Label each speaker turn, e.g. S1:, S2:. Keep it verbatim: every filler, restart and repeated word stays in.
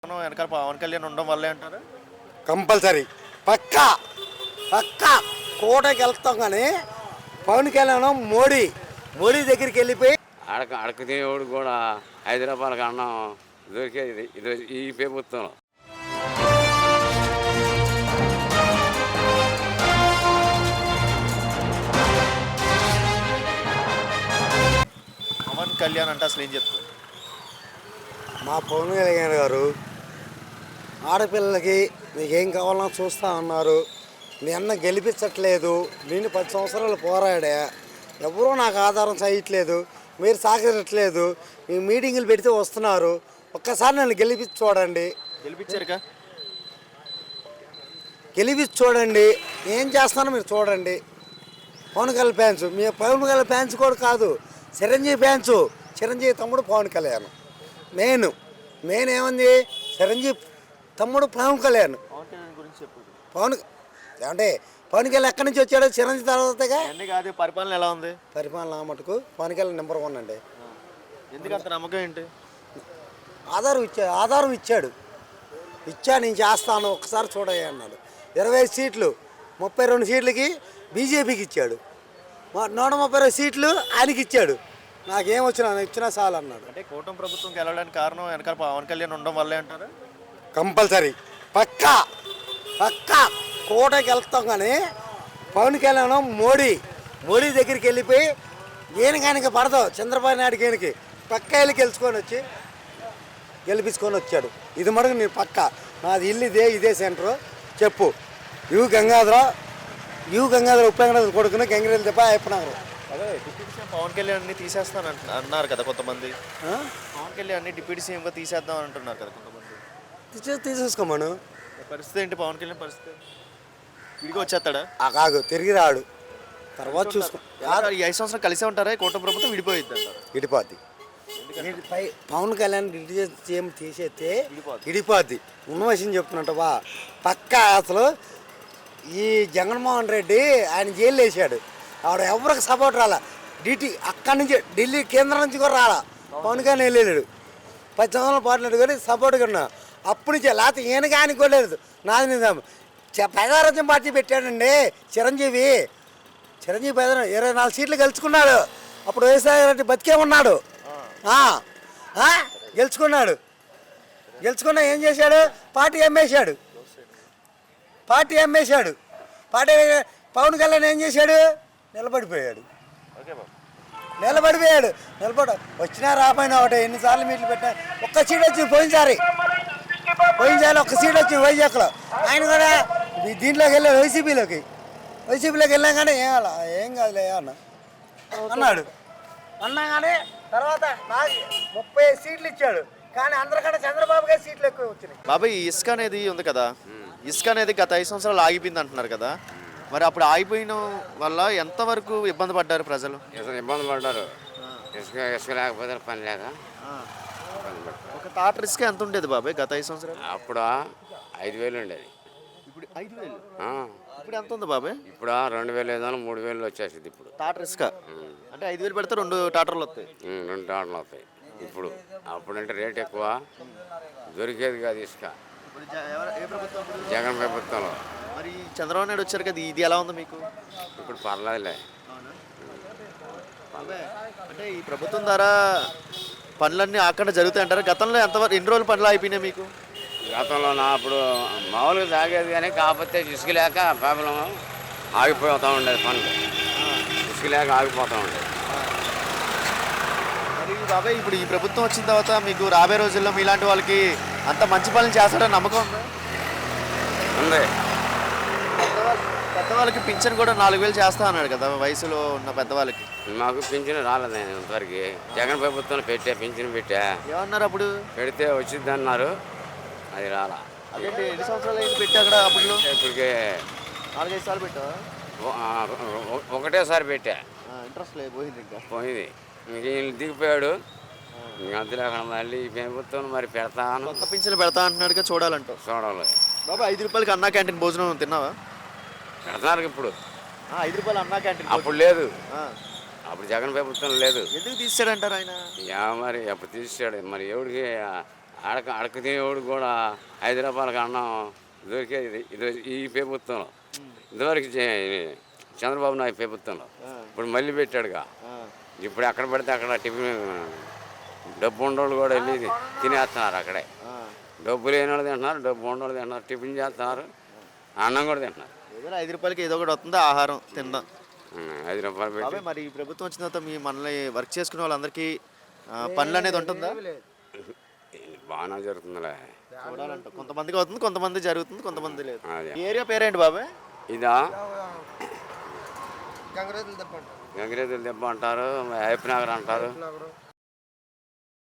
S1: వెనకాల పవన్ కళ్యాణ్ ఉండడం వల్లే అంటారు.
S2: కంపల్సరీ పక్కా పక్కా కోటకి వెళ్తాం కానీ పవన్ కళ్యాణ్ మోడీ మోడీ దగ్గరికి వెళ్ళిపోయి
S3: అడక అడక తినేవాడు కూడా ఐదు రూపాయలకి అన్నం దొరికేది ఇది ఈ ప్రభుత్వంలో.
S1: పవన్ కళ్యాణ్ అంటే అసలు ఏం చెప్తారు?
S2: మా పవన్ కళ్యాణ్ గారు ఆడపిల్లలకి నీకేం కావాలన్నా చూస్తా అన్నారు. మీ అన్న గెలిపించట్లేదు, నేను పది సంవత్సరాలు పోరాడా, ఎవరూ నాకు ఆధారం చేయట్లేదు, మీరు సహకరించట్లేదు, మీ మీటింగులు పెడితే వస్తున్నారు, ఒక్కసారి నన్ను గెలిపించి చూడండి.
S1: గెలిపించారుగా,
S2: గెలిపించి చూడండి, ఏం చేస్తానో మీరు చూడండి. పవన్ కళ్యాణ్ ఫ్యాన్స్, మీ పవన్ కళ్యాణ్ ఫ్యాన్స్ కూడా కాదు, చిరంజీవి ఫ్యాన్స్. చిరంజీవి తమ్ముడు పవన్ కళ్యాణ్ మెయిన్ మెయిన్ ఏముంది, చిరంజీవి తమ్ముడు పవన్ కళ్యాణ్.
S1: పవన్ కళ్యాణ్ గురించి చెప్పు.
S2: పవన్ అంటే పవన్ కళ్యాణ్ ఎక్కడి నుంచి వచ్చాడు? చిరంజీవి తర్వాతగా.
S1: అన్నీ కాదు, పరిపాలన ఎలా ఉంది?
S2: పరిపాలన మటుకు పవన్ కళ్యాణ్ నెంబర్ వన్ అండి.
S1: ఎందుకు అంత నమ్మకం ఏంటి?
S2: ఆధారం ఇచ్చాడు ఆధారం ఇచ్చాడు ఇచ్చా నేను చేస్తాను ఒకసారి చూడయ్యా అన్నాడు. ఇరవై సీట్లు ముప్పై రెండు సీట్లకి బీజేపీకి ఇచ్చాడు, నూట ముప్పై రెండు సీట్లు ఆయనకి ఇచ్చాడు. నాకేం వచ్చినా ఇచ్చినా చాలు అన్నాడు.
S1: అంటే కూటమి ప్రభుత్వం గెలవడానికి కారణం వెనకాల పవన్ కళ్యాణ్ ఉండడం వల్లే అంటారు.
S2: కంపల్సరీ పక్కా పక్కా కోటకి వెళ్తాం కానీ పవన్ కళ్యాణ్ మోడీ మోడీ దగ్గరికి వెళ్ళిపోయి ఈయనకాయనకి పడతావు చంద్రబాబు నాయుడుకి ఈయనకి పక్క వెళ్ళి గెలుచుకొని వచ్చి గెలిపించుకొని వచ్చాడు. ఇది మటుకు నేను పక్క నాది ఇల్లు ఇదే ఇదే సెంటరు చెప్పు. యు గంగాధర యు గంగాధర ఉపేంద్ర కొడుకుని గంగిరెల్లి తప్ప అయిపోయినారు.
S1: అదే డిప్యూటీ సీఎం పవన్ కళ్యాణ్ని తీసేస్తాను అన్నారు కదా కొంతమంది. పవన్ కళ్యాణ్ని డిప్యూటీ సీఎంగా తీసేద్దాం అంటున్నారు కదా కొంతమంది.
S2: తీసే తీసేసుకోమను.
S1: పరిస్థితి ఏంటి పవన్ కళ్యాణ్ పరిస్థితి? విడిగా వచ్చేస్తాడా?
S2: ఆ కాదు తిరిగి రాడు, తర్వాత చూసుకో.
S1: ఈ ఐదు సంవత్సరాలు కలిసే ఉంటారా? కూటమి ప్రభుత్వం విడిపోయిద్ది అంటారు.
S2: విడిపోద్ది. పై పవన్ కళ్యాణ్ డిప్యూటీ సీఎం తీసేస్తే విడిపోద్ది. ఉన్న విషయం చెప్తున్నట్టవా పక్క. అసలు ఈ జగన్మోహన్ రెడ్డి ఆయన జైలు వేసాడు, ఆవిడ ఎవరికి సపోర్ట్ రాలా. డిటి అక్కడి నుంచి ఢిల్లీ కేంద్రం నుంచి కూడా రాలా, పవన్ కళ్యాణ్ వెళ్ళాడు. పది సంవత్సరాలు పాటలు కానీ సపోర్ట్గా ఉన్నా అప్పుడు నుంచి. లేకపోతే ఈయన కానీ కూడా లేదు. నాది నిజాం ప్రజారాజ్యం పార్టీ పెట్టాడండి చిరంజీవి. చిరంజీవి పెద్ద ఇరవై నాలుగు సీట్లు గెలుచుకున్నాడు. అప్పుడు వైఎస్ఆర్ రెడ్డి బతికే ఉన్నాడు, గెలుచుకున్నాడు. గెలుచుకున్నా ఏం చేశాడు? పార్టీ అమ్మేశాడు పార్టీ అమ్మేశాడు పార్టీ. పవన్ కళ్యాణ్ ఏం చేశాడు? నిలబడిపోయాడు నిలబడిపోయాడు నిలబడ వచ్చినా రాపోయినా ఒకటే. ఎన్నిసార్లు మీట్లు పెట్టా, ఒక్క సీట్ వచ్చింది పోయినసారి పోయినసారి ఒక్క సీట్ వచ్చింది వైజాగ్లో. ఆయన కూడా దీంట్లోకి వెళ్ళాడు, వైసీపీలోకి వైసీపీలోకి వెళ్ళాం కానీ ఏం అలా ఏం కాదులే అన్న అన్నాడు అన్నా కానీ తర్వాత నాకు ముప్పై సీట్లు ఇచ్చాడు. కానీ అందరికంటే చంద్రబాబు గారి సీట్లు ఎక్కువ వచ్చినాయి.
S1: బాబాయ్ ఇసుక అనేది ఉంది కదా, ఇసుక అనేది గత ఐదు సంవత్సరాలు ఆగిపోయింది అంటున్నారు కదా, మరి అప్పుడు ఆగిపోయిన వల్ల ఎంతవరకు ఇబ్బంది పడ్డారు ప్రజలు?
S3: ఇబ్బంది పడ్డారు. ఇసుక ఇసుక లేకపోతే పని లేక
S1: ఒక టాటర్ ఇసుక ఎంత ఉండేది బాబాయ్ గత ఐదు సంవత్సరాలు?
S3: అప్పుడు ఐదు వేలు ఉండేది.
S1: ఇప్పుడు ఐదు వేలు ఇప్పుడు ఎంత ఉంది బాబాయ్?
S3: ఇప్పుడు రెండు వేలు ఏదో మూడు వేలు వచ్చేసింది ఇప్పుడు
S1: టాటర్ ఇసుక. అంటే ఐదు వేలు పెడితే రెండు టాటర్లు వస్తాయి.
S3: రెండు టాటర్లు వస్తాయి ఇప్పుడు. అప్పుడంటే రేట్ ఎక్కువ, దొరికేది కాదు ఇసుక. జగన్ ప్రభుత్వంలో.
S1: మరి చంద్రబాబు నాయుడు వచ్చారు కదా, ఇది ఎలా ఉంది మీకు?
S3: ఇప్పుడు పర్లేదులే.
S1: అంటే ఈ ప్రభుత్వం ద్వారా పనులన్నీ అక్కడ జరుగుతాయి అంటారు. గతంలో ఎంతవరకు ఎన్ని రోజులు పనులు అయిపోయినాయి మీకు?
S3: గతంలో నా అప్పుడు మామూలుగా సాగేది కానీ కాకపోతే ఇసుక లేక ప్రాబ్లం ఆగిపోతూ ఉండేది పనులు. ఇసుక లేక ఆగిపోతూ ఉండేది.
S1: మరి బాబాయ్ ఇప్పుడు ఈ ప్రభుత్వం వచ్చిన తర్వాత మీకు రాబోయే రోజుల్లో మీలాంటి వాళ్ళకి అంత మంచి పనులు చేస్తాడని నమ్మకం ఉందా?
S3: ఉంది.
S1: పెద్దవాళ్ళకి పింఛన్ కూడా నాలుగు వేలు చేస్తా అన్నాడు కదా వయసులో ఉన్న పెద్దవాళ్ళకి.
S3: మాకు పింఛన్ రాలేదు ఇంతవరకు. జగన్ ప్రభుత్వం పెట్టా పింఛన్ పెట్టా.
S1: ఏమన్నారు అప్పుడు?
S3: పెడితే వచ్చింది అన్నారు, అది రాలా.
S1: అదేంటి ఎన్ని సంవత్సరాలు అయింది పెట్టి అక్కడ? అప్పుడు
S3: ఇప్పటికే
S1: నాలుగైదు సార్లు పెట్టా.
S3: ఒకటేసారి పెట్టా,
S1: ఇంట్రెస్ట్ లేదు, పోయింది. ఇంకా
S3: పోయింది. ఇంక వీళ్ళు దిగిపోయాడు. ఇంక అంతలేకుండా మళ్ళీ ప్రభుత్వం మరి పెడతాను,
S1: కొత్త పింఛన్లు పెడతా అంటున్నాడుగా, చూడాలంటావు?
S3: చూడాలి.
S1: బాబా ఐదు రూపాయలకి అన్నా క్యాంటీన్ భోజనం తిన్నావా?
S3: పెడతారు ఇప్పుడు.
S1: ఐదు రూపాయలు అన్నా క్యాంటీన్
S3: అప్పుడు లేదు, అప్పుడు జగన్ ప్రభుత్వం లేదు.
S1: ఎందుకు తీసాడంటారు ఆయన?
S3: యా మరి అప్పుడు తీసాడు. మరి ఎవరికి అడక అడక తినేవాడు కూడా ఐదు రూపాయలకి అన్నం దొరికేది ఇది ఈ ప్రభుత్వంలో. ఇదివరకు చే- చంద్రబాబు నాయుడు ప్రభుత్వంలో. ఇప్పుడు మళ్ళీ పెట్టాడుగా. ఇప్పుడు ఎక్కడ పడితే అక్కడ టిఫిన్ డబ్బు ఉండేవాళ్ళు కూడా వెళ్ళి తినేస్తున్నారు అక్కడే. డబ్బు లేని వాళ్ళు తింటున్నారు, డబ్బు ఉండేవాళ్ళు తింటున్నారు, టిఫిన్ చేస్తున్నారు, అన్నం కూడా తింటున్నారు.
S1: ఏదో ఐదు రూపాయలకి ఏదో ఒకటి వస్తుంది ఆహారం తిందాం.
S3: ఉమ్, ఐదు రూపాయలు పెట్టి
S1: బాబాయ్ మరి ఈ ప్రభుత్వం వచ్చిన తర్వాత మీ మనల్ని వర్క్ చేసుకునే వాళ్ళందరికీ ఆ, పనులు అనేది ఉంటుందా?
S3: బాగానే జరుగుతుందిలే.
S1: చూడాలంట. కొంతమందికి అవుతుంది, కొంతమంది జరుగుతుంది, కొంతమంది లేదు.
S3: అదే
S1: ఈ ఏరియా పేరేంటి బాబాయ్?
S3: ఇదా గంగిరేతులు దెబ్బ అంటారు, హైప్ నగర్ అంటారు.